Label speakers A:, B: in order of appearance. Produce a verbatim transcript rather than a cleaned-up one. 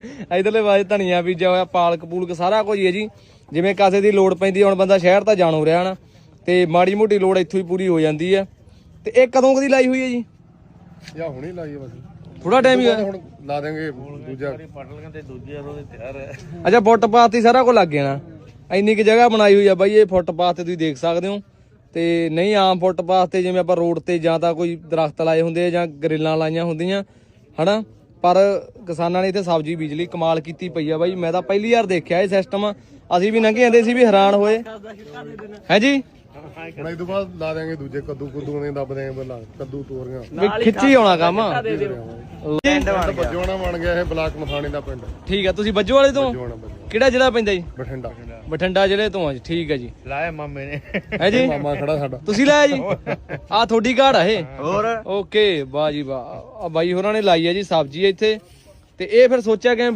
A: ਇਧਰਲੇ ਪਾਸੇ ਧਨੀਆ ਬੀਜਿਆ ਹੋਇਆ, ਪਾਲਕ ਪੂਲਕ ਸਾਰਾ ਕੁਝ ਹੀ ਹੈ ਜੀ। ਜਿਵੇਂ ਕਾਸੇ ਦੀ ਲੋੜ ਪੈਂਦੀ ਹੁਣ ਬੰਦਾ ਸ਼ਹਿਰ ਤਾਂ ਜਾਣੋ ਰਿਹਾ ਨਾ, ਤੇ ਮਾੜੀ ਮੋਟੀ ਲੋੜ ਇੱਥੋਂ ਹੀ ਪੂਰੀ ਹੋ ਜਾਂਦੀ ਹੈ। ਤੇ ਇਹ ਕਦੋਂ ਕਦੀ ਲਾਈ ਹੋਈ ਹੈ ਜੀ?
B: ਜਾਂ ਹੁਣੇ ਲਾਈ ਹੈ ਬਸ,
A: ਥੋੜਾ ਟਾਈਮ ਹੀ ਹੋਇਆ।
B: ਹੁਣ ਲਾ ਦੇਂਗੇ ਦੂਜਾ
C: ਪਟਲ ਤੇ ਦੂਜੇ ਉਹਦੇ ਤਿਆਰ ਹੈ।
A: ਅੱਛਾ ਫੁੱਟਪਾਥ ਹੀ ਸਾਰਾ ਕੁਝ ਲੱਗ ਜਾਣਾ। ਇੰਨੀ ਕੁ ਜਗ੍ਹਾ ਬਣਾਈ ਹੋਈ ਆ ਬਾਈ ਇਹ ਫੁੱਟਪਾਥ ਤੇ ਤੁਸੀਂ ਦੇਖ ਸਕਦੇ ਹੋ। ਤੇ ਨਹੀਂ ਆਮ ਫੁੱਟਪਾਥ ਤੇ ਜਿਵੇਂ ਆਪਾਂ ਰੋਡ ਤੇ ਜਾਂ ਤਾਂ ਕੋਈ ਦਰਖਤ ਲਾਏ ਹੁੰਦੇ ਆ ਜਾਂ ਗਰਿੱਲਾਂ ਲਾਈਆਂ ਹੁੰਦੀਆਂ ਹਨਾ, ਪਰ ਕਿਸਾਨਾਂ ਨੇ ਇੱਥੇ ਸਬਜ਼ੀ ਬੀਜ ਲਈ। ਕਮਾਲ ਕੀਤੀ ਪਈ ਆ ਬਾਈ, ਮੈਂ ਤਾਂ ਪਹਿਲੀ ਵਾਰ ਦੇਖਿਆ ਇਹ ਸਿਸਟਮ। ਅਸੀਂ ਵੀ ਲੰਘੇ ਜਾਂਦੇ ਸੀ ਵੀ ਹੈਰਾਨ ਹੋਏ ਹੈ ਜੀ।
B: ਹੁਣ ਇਹ ਤੋਂ ਬਾਅਦ ਲਾ ਦੇਂਗੇ ਦੂਜੇ ਕੱਦੂ ਕੁੱਦੂ ਨੇ ਦੱਬ ਦੇਂਗੇ ਪਹਿਲਾਂ ਕੱਦੂ ਤੋਰੀਆਂ
A: ਵੀ ਖਿੱਚੀ ਆਉਣਾ ਕੰਮ।
B: ਬੱਜੋਣਾ ਬਣ ਗਿਆ ਇਹ ਬਲਾਕ ਮਥਾਣੀ ਦਾ ਪਿੰਡ।
A: ਠੀਕ ਆ, ਤੁਸੀਂ ਬੱਜੋ ਵਾਲੇ ਤੋਂ?
B: ਬੱਜੋਣਾ ਬੱਜੋ
A: ਕਿਹੜਾ ਜ਼ਿਲ੍ਹਾ ਪੈਂਦਾ ਜੀ?
B: ਬਠਿੰਡਾ।
A: ਬਠਿੰਡਾ ਜ਼ਿਲ੍ਹੇ ਤੋਂ ਆ ਜੀ। ਠੀਕ ਹੈ ਜੀ।
C: ਲਾਇਆ ਮਾਮੇ ਨੇ
A: ਹੈ ਜੀ,
B: ਮਾਮਾ ਖੜਾ ਸਾਡਾ।
A: ਤੁਸੀਂ ਲਾਇਆ ਜੀ? ਆ ਤੁਹਾਡੀ ਘਾੜ ਆ ਇਹ?
C: ਹੋਰ
A: ਓਕੇ, ਵਾਹ ਜੀ ਵਾਹ। ਆ ਬਾਈ ਹੋਰਾਂ ਨੇ ਲਾਈ ਹੈ ਜੀ ਸਬਜ਼ੀ ਇੱਥੇ। ਤੇ ਇਹ ਫਿਰ ਸੋਚਿਆ ਕਿ